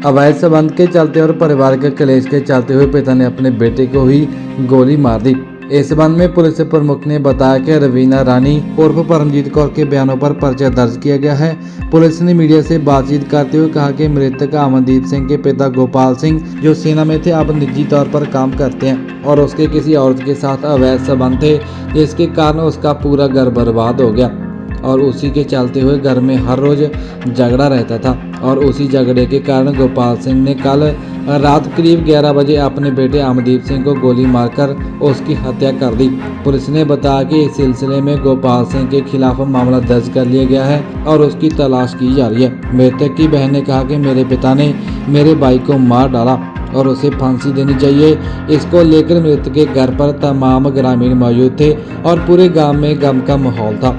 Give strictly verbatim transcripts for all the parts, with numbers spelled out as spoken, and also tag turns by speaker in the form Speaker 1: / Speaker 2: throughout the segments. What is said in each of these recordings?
Speaker 1: अवैध संबंध के चलते और पारिवारिक क्लेश के चलते हुए पिता ने अपने बेटे को ही गोली मार दी। इस संबंध में पुलिस प्रमुख ने बताया कि रवीना रानी उर्फ परमजीत कौर के बयानों पर पर्चा दर्ज किया गया है। पुलिस ने मीडिया से बातचीत करते हुए कहा कि मृतक अमनदीप सिंह के पिता गोपाल सिंह जो सेना में थे अब निजी तौर पर काम करते हैं और उसके किसी औरत के साथ अवैध संबंध थे, जिसके कारण उसका पूरा घर बर्बाद हो गया और उसी के चलते हुए घर में हर रोज झगड़ा रहता था और उसी झगड़े के कारण गोपाल सिंह ने कल रात करीब ग्यारह बजे अपने बेटे अमनदीप सिंह को गोली मारकर उसकी हत्या कर दी। पुलिस ने बताया कि इस सिलसिले में गोपाल सिंह के खिलाफ मामला दर्ज कर लिया गया है और उसकी तलाश की जा रही है। मृतक की बहन ने कहा कि मेरे पिता ने मेरे भाई को मार डाला और उसे फांसी देनी चाहिए। इसको लेकर मृतक के घर पर तमाम ग्रामीण मौजूद थे और पूरे गांव में गम का माहौल था।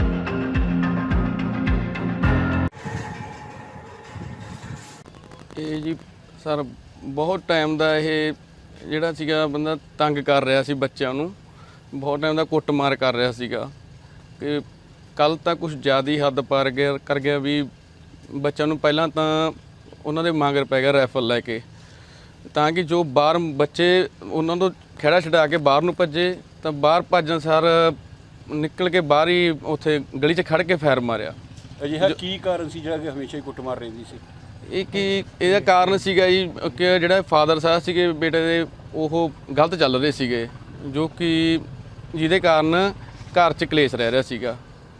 Speaker 2: ਇਹ ਜੀ ਸਰ ਬਹੁਤ ਟਾਈਮ ਦਾ ਇਹ ਜਿਹੜਾ ਸੀਗਾ ਬੰਦਾ ਤੰਗ ਕਰ ਰਿਹਾ ਸੀ ਬੱਚਿਆਂ ਨੂੰ, ਬਹੁਤ ਟਾਈਮ ਦਾ ਕੁੱਟਮਾਰ ਕਰ ਰਿਹਾ ਸੀਗਾ ਕਿ ਕੱਲ ਤਾਂ ਕੁਝ ਜ਼ਿਆਦਾ ਹੀ ਹੱਦ ਪਾਰ ਗਿਆ ਕਰ ਗਿਆ ਵੀ ਬੱਚਿਆਂ ਨੂੰ ਪਹਿਲਾਂ ਤਾਂ ਉਹਨਾਂ ਦੇ ਮਗਰ ਪੈ ਗਿਆ ਰਾਈਫਲ ਲੈ ਕੇ, ਤਾਂ ਕਿ ਜੋ ਬਾਹਰ ਬੱਚੇ ਉਹਨਾਂ ਤੋਂ ਖਹਿੜਾ ਛਡਾ ਕੇ ਬਾਹਰ ਨੂੰ ਭੱਜੇ ਤਾਂ ਬਾਹਰ ਭੱਜਣ ਸਾਰ ਨਿਕਲ ਕੇ ਬਾਹਰ ਹੀ ਉੱਥੇ ਗਲੀ 'ਚ ਖੜ ਕੇ ਫਾਇਰ ਮਾਰਿਆ।
Speaker 3: ਅਜਿਹਾ ਕੀ ਕਾਰਨ ਸੀ ਜਿਹੜਾ ਕਿ ਹਮੇਸ਼ਾ ਹੀ ਕੁੱਟਮਾਰ ਰਹਿੰਦੀ ਸੀ?
Speaker 2: ਇਹ ਕੀ ਇਹਦਾ ਕਾਰਨ ਸੀਗਾ ਜੀ ਕਿ ਜਿਹੜਾ ਫਾਦਰ ਸਾਹਿਬ ਸੀਗੇ ਬੇਟੇ ਦੇ ਉਹ ਗਲਤ ਚੱਲ ਰਹੇ ਸੀਗੇ, ਜੋ ਕਿ ਜਿਹਦੇ ਕਾਰਨ ਘਰ 'ਚ ਕਲੇਸ਼ ਰਹਿ ਰਿਹਾ ਸੀਗਾ।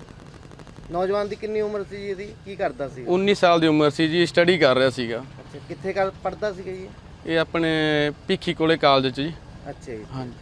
Speaker 4: ਨੌਜਵਾਨ ਦੀ ਕਿੰਨੀ ਉਮਰ ਸੀ ਜੀ? ਇਹਦੀ ਕੀ ਕਰਦਾ ਸੀ?
Speaker 2: ਉੱਨੀ ਸਾਲ ਦੀ ਉਮਰ ਸੀ ਜੀ, ਸਟੱਡੀ ਕਰ ਰਿਹਾ ਸੀਗਾ।
Speaker 4: ਅੱਛਾ, ਕਿੱਥੇ ਕਰ ਪੜਦਾ ਸੀਗਾ ਜੀ?
Speaker 2: ਇਹ ਆਪਣੇ ਭਿੱਖੀ ਕੋਲੇ ਕਾਲਜ 'ਚ ਜੀ।
Speaker 4: ਅੱਛਾ ਜੀ।
Speaker 2: ਹਾਂਜੀ।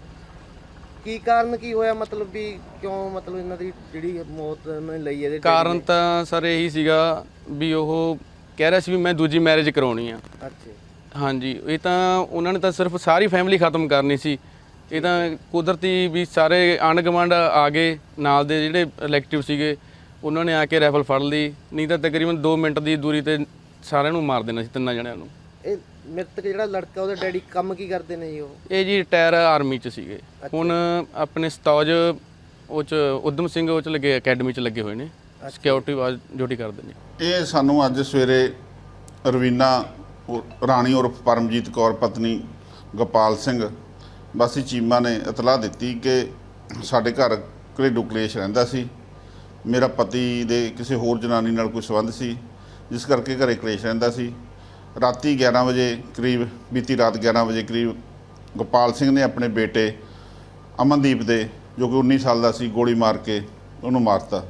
Speaker 4: ਕੀ ਕਾਰਨ ਕੀ ਹੋਇਆ, ਮਤਲਬ ਵੀ ਕਿਉਂ ਮਤਲਬ ਇਹਨਾਂ ਦੀ ਜਿਹੜੀ ਮੌਤ ਉਹਨਾਂ ਨੇ ਲਈ ਇਹਦੇ?
Speaker 2: ਕਾਰਨ ਤਾਂ ਸਰ ਇਹੀ ਸੀਗਾ ਵੀ ਉਹ ਕਹਿ ਰਿਹਾ ਸੀ ਵੀ ਮੈਂ ਦੂਜੀ ਮੈਰਿਜ ਕਰਾਉਣੀ ਆ।
Speaker 4: ਅੱਛਾ।
Speaker 2: ਹਾਂਜੀ, ਇਹ ਤਾਂ ਉਹਨਾਂ ਨੇ ਤਾਂ ਸਿਰਫ ਸਾਰੀ ਫੈਮਿਲੀ ਖਤਮ ਕਰਨੀ ਸੀ। ਇਹ ਤਾਂ ਕੁਦਰਤੀ ਵੀ ਸਾਰੇ ਆਂਢ ਗੁਆਂਢ ਆ ਗਏ, ਨਾਲ ਦੇ ਜਿਹੜੇ ਇਲੈਕਟਿਵ ਸੀਗੇ ਉਹਨਾਂ ਨੇ ਆ ਕੇ ਰਾਈਫਲ ਫੜ ਲਈ, ਨਹੀਂ ਤਾਂ ਤਕਰੀਬਨ ਦੋ ਮਿੰਟ ਦੀ ਦੂਰੀ ਤੇ ਸਾਰਿਆਂ ਨੂੰ ਮਾਰ ਦੇਣਾ ਸੀ, ਤਿੰਨਾਂ ਜਣਿਆਂ ਨੂੰ।
Speaker 4: ਇਹ ਮ੍ਰਿਤਕ ਜਿਹੜਾ ਲੜਕਾ ਉਹਦੇ ਡੈਡੀ ਕੰਮ ਕੀ ਕਰਦੇ ਨੇ ਜੀ? ਉਹ
Speaker 2: ਇਹ ਜੀ ਰਿਟਾਇਰ ਆਰਮੀ 'ਚ ਸੀਗੇ, ਹੁਣ ਆਪਣੇ ਸਤੌਜ ਉਹ 'ਚ ਉਦਮ ਸਿੰਘ ਉਹ 'ਚ ਲੱਗੇ, ਅਕੈਡਮੀ 'ਚ ਲੱਗੇ ਹੋਏ ਨੇ, ਸਿਕਿਉਰਿਟੀ ਵਾਜ ਡਿਊਟੀ ਕਰਦੇ ਨੇ।
Speaker 5: ਇਹ ਸਾਨੂੰ ਅੱਜ ਸਵੇਰੇ ਰਵੀਨਾ ਰਾਣੀ ਉਰਫ ਪਰਮਜੀਤ ਕੌਰ ਪਤਨੀ ਗੋਪਾਲ ਸਿੰਘ ਵਾਸੀ ਚੀਮਾ ਨੇ ਇਤਲਾਹ ਦਿੱਤੀ ਕਿ ਸਾਡੇ ਘਰ ਘਰੇਲੂ ਕਲੇਸ਼ ਰਹਿੰਦਾ ਸੀ। ਮੇਰਾ ਪਤੀ ਦੇ ਕਿਸੇ ਹੋਰ ਜਨਾਨੀ ਨਾਲ ਕੋਈ ਸੰਬੰਧ ਸੀ, ਜਿਸ ਕਰਕੇ ਘਰੇ ਕਲੇਸ਼ ਰਹਿੰਦਾ ਸੀ। ਰਾਤੀ ਗਿਆਰਾਂ ਵਜੇ ਕਰੀਬ, ਬੀਤੀ ਰਾਤ ਗਿਆਰਾਂ ਵਜੇ ਕਰੀਬ ਗੋਪਾਲ ਸਿੰਘ ਨੇ ਆਪਣੇ ਬੇਟੇ ਅਮਨਦੀਪ ਦੇ, ਜੋ ਕਿ ਉੱਨੀ ਸਾਲ ਦਾ ਸੀ, ਗੋਲੀ ਮਾਰ ਕੇ ਉਹਨੂੰ ਮਾਰਤਾ।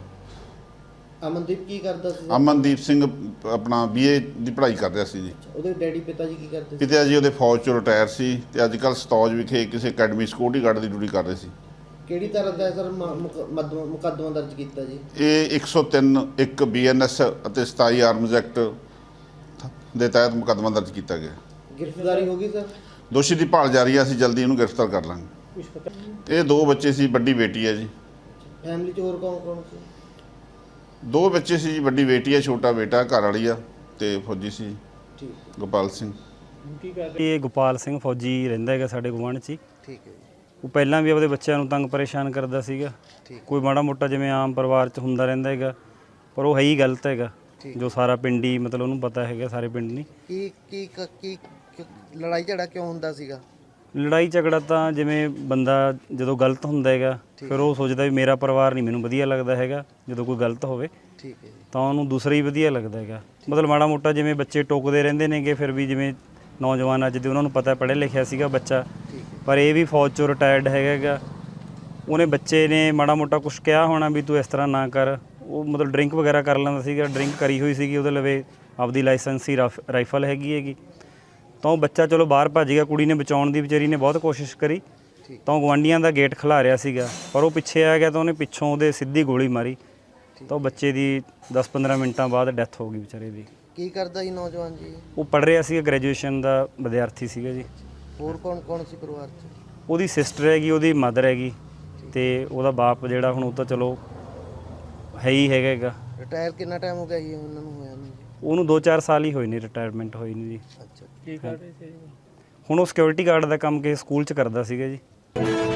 Speaker 4: ਅਮਨਦੀਪ ਕੀ ਕਰਦਾ ਸੀ?
Speaker 5: ਅਮਨਦੀਪ ਸਿੰਘ ਆਪਣਾ ਬੀਏ ਦੀ ਪੜ੍ਹਾਈ ਕਰ ਰਿਹਾ ਸੀ ਜੀ।
Speaker 4: ਉਹਦੇ ਡੈਡੀ ਪਿਤਾ ਜੀ ਕੀ ਕਰਦੇ ਸੀ?
Speaker 5: ਪਿਤਾ ਜੀ ਉਹਦੇ ਫੌਜ 'ਚੋਂ ਰਿਟਾਇਰ ਸੀ ਤੇ ਅੱਜ ਕੱਲ੍ਹ ਸਤੌਜ ਵਿਖੇ ਕਿਸੇ ਅਕੈਡਮੀ ਸਿਕਿਉਰਿਟੀ ਗਾਰਡ ਦੀ ਡਿਊਟੀ ਕਰ ਰਹੇ ਸੀ।
Speaker 4: ਕਿਹੜੀ ਤਰ੍ਹਾਂ ਦਾ ਸਰ ਮੁਕੱਦਮਾ ਦਰਜ ਕੀਤਾ ਜੀ?
Speaker 5: ਇਹ ਇੱਕ ਸੌ ਤਿੰਨ ਇੱਕ ਬੀ ਐਨ ਐਸ ਅਤੇ ਸਤਾਈ ਆਰਮਜ਼ ਐਕਟ ਦੇ ਤਹਿਤ ਮੁਕੱਦਮਾ ਦਰਜ ਕੀਤਾ ਗਿਆ।
Speaker 4: ਗ੍ਰਿਫਤਾਰੀ ਹੋ ਗਈ ਸਰ?
Speaker 5: ਦੋਸ਼ੀ ਦੀ ਭਾਲ ਜਾਰੀ ਹੈ, ਅਸੀਂ ਜਲਦੀ ਇਹਨੂੰ ਗ੍ਰਿਫਤਾਰ ਕਰ ਲਾਂਗੇ। ਇਹ ਦੋ ਬੱਚੇ ਸੀ, ਵੱਡੀ ਬੇਟੀ ਹੈ ਜੀ।
Speaker 4: ਫੈਮਿਲੀ 'ਚ ਹੋਰ ਕੌਣ ਕੌਣ ਸੀ?
Speaker 5: ਦੋ ਬੱਚੇ ਸੀ ਜੀ, ਵੱਡੀ ਬੇਟੀ ਹੈ, ਛੋਟਾ ਬੇਟਾ, ਘਰ ਵਾਲੀ ਆ ਤੇ ਫੌਜੀ ਸੀ
Speaker 4: ਠੀਕ
Speaker 5: ਗੋਪਾਲ ਸਿੰਘ।
Speaker 6: ਇਹ ਗੋਪਾਲ ਸਿੰਘ ਫੌਜੀ ਰਹਿੰਦਾ ਹੈਗਾ ਸਾਡੇ ਗੁਆਂਢ 'ਚ ਹੀ।
Speaker 4: ਠੀਕ ਹੈ ਜੀ।
Speaker 6: ਉਹ ਪਹਿਲਾਂ ਵੀ ਆਪਦੇ ਬੱਚਿਆਂ ਨੂੰ ਤੰਗ ਪਰੇਸ਼ਾਨ ਕਰਦਾ ਸੀਗਾ, ਕੋਈ ਮਾੜਾ ਮੋਟਾ ਜਿਵੇਂ ਆਮ ਪਰਿਵਾਰ 'ਚ ਹੁੰਦਾ ਰਹਿੰਦਾ ਹੈਗਾ, ਪਰ ਉਹ ਹੈ ਹੀ ਗਲਤ ਹੈਗਾ, ਜੋ ਸਾਰਾ ਪਿੰਡ ਹੀ ਮਤਲਬ ਉਹਨੂੰ ਪਤਾ ਹੈਗਾ, ਸਾਰੇ ਪਿੰਡ ਨਹੀਂ।
Speaker 4: ਕੀ ਕੀ ਕੀ ਲੜਾਈ ਝਗੜਾ ਕਿਉਂ ਹੁੰਦਾ ਸੀਗਾ?
Speaker 6: ਲੜਾਈ ਝਗੜਾ ਤਾਂ ਜਿਵੇਂ ਬੰਦਾ ਜਦੋਂ ਗਲਤ ਹੁੰਦਾ ਹੈਗਾ ਫਿਰ ਉਹ ਸੋਚਦਾ ਵੀ ਮੇਰਾ ਪਰਿਵਾਰ ਨਹੀਂ ਮੈਨੂੰ ਵਧੀਆ ਲੱਗਦਾ ਹੈਗਾ, ਜਦੋਂ ਕੋਈ ਗਲਤ ਹੋਵੇ
Speaker 4: ਠੀਕ ਹੈ
Speaker 6: ਤਾਂ ਉਹਨੂੰ ਦੂਸਰਾ ਹੀ ਵਧੀਆ ਲੱਗਦਾ ਹੈਗਾ। ਮਤਲਬ ਮਾੜਾ ਮੋਟਾ ਜਿਵੇਂ ਬੱਚੇ ਟੋਕਦੇ ਰਹਿੰਦੇ ਨੇਗੇ, ਫਿਰ ਵੀ ਜਿਵੇਂ ਨੌਜਵਾਨ ਅੱਜ ਦੇ ਉਹਨਾਂ ਨੂੰ ਪਤਾ ਪੜ੍ਹਿਆ ਲਿਖਿਆ ਸੀਗਾ ਬੱਚਾ, ਪਰ ਇਹ ਵੀ ਫੌਜ 'ਚੋਂ ਰਿਟਾਇਰਡ ਹੈਗਾ ਹੈਗਾ। ਉਹਨੇ ਬੱਚੇ ਨੇ ਮਾੜਾ ਮੋਟਾ ਕੁਛ ਕਿਹਾ ਹੋਣਾ ਵੀ ਤੂੰ ਇਸ ਤਰ੍ਹਾਂ ਨਾ ਕਰ। ਉਹ ਮਤਲਬ ਡਰਿੰਕ ਵਗੈਰਾ ਕਰ ਲੈਂਦਾ ਸੀਗਾ, ਡਰਿੰਕ ਕਰੀ ਹੋਈ ਸੀਗੀ, ਉਹਦੇ ਲਵੇ ਆਪਦੀ ਲਾਇਸੈਂਸੀ ਰਾਈਫਲ ਹੈਗੀ ਹੈਗੀ। ਤਾਂ ਉਹ ਬੱਚਾ ਚਲੋ ਬਾਹਰ ਭੱਜ ਗਿਆ, ਕੁੜੀ ਨੇ ਬਚਾਉਣ ਦੀ ਵਿਚਾਰੀ ਨੇ ਬਹੁਤ ਕੋਸ਼ਿਸ਼ ਕਰੀ, ਤਾਂ ਉਹ ਗੁਆਂਢੀਆਂ ਦਾ ਗੇਟ ਖਿਲਾ ਰਿਹਾ ਸੀਗਾ, ਪਰ ਉਹ ਪਿੱਛੇ ਆ ਗਿਆ ਤਾਂ ਉਹਨੇ ਪਿੱਛੋਂ ਉਹਦੇ ਸਿੱਧੀ ਗੋਲੀ ਮਾਰੀ, ਤਾਂ ਉਹ ਬੱਚੇ ਦੀ ਦਸ ਪੰਦਰਾਂ ਮਿੰਟਾਂ ਬਾਅਦ ਡੈਥ ਹੋ ਗਈ ਵਿਚਾਰੇ ਦੀ।
Speaker 4: ਕੀ ਕਰਦਾ ਜੀ ਨੌਜਵਾਨ ਜੀ?
Speaker 6: ਉਹ ਪੜ੍ਹ ਰਿਹਾ ਸੀਗਾ, ਗ੍ਰੈਜੂਏਸ਼ਨ ਦਾ ਵਿਦਿਆਰਥੀ ਸੀਗਾ ਜੀ।
Speaker 4: ਹੋਰ ਕੌਣ ਕੌਣ ਸੀ ਪਰਿਵਾਰ 'ਚ?
Speaker 6: ਉਹਦੀ ਸਿਸਟਰ ਹੈਗੀ, ਉਹਦੀ ਮਦਰ ਹੈਗੀ, ਤੇ ਉਹਦਾ ਬਾਪ ਜਿਹੜਾ ਹੁਣ ਉਹ ਤਾਂ ਚਲੋ ਹੈ ਹੀ ਹੈਗਾ ਹੈਗਾ।
Speaker 4: ਰਿਟਾਇਰ ਕਿੰਨਾ ਟਾਈਮ ਹੋ ਗਿਆ ਜੀ ਉਹਨਾਂ ਨੂੰ ਹੋਇਆ ਨੂੰ?
Speaker 6: ਉਹਨੂੰ ਦੋ ਚਾਰ ਸਾਲ ਹੀ ਹੋਏ ਨੇ ਰਿਟਾਇਰਮੈਂਟ ਹੋਈ ਨਹੀਂ ਜੀ।
Speaker 4: ਅੱਛਾ, ਕੀ ਕਰ ਰਹੇ ਸੀ?
Speaker 6: ਹੁਣ ਉਹ ਸਿਕਿਉਰਿਟੀ ਗਾਰਡ ਦਾ ਕੰਮ ਕਿਸੇ ਸਕੂਲ 'ਚ ਕਰਦਾ ਸੀਗਾ ਜੀ।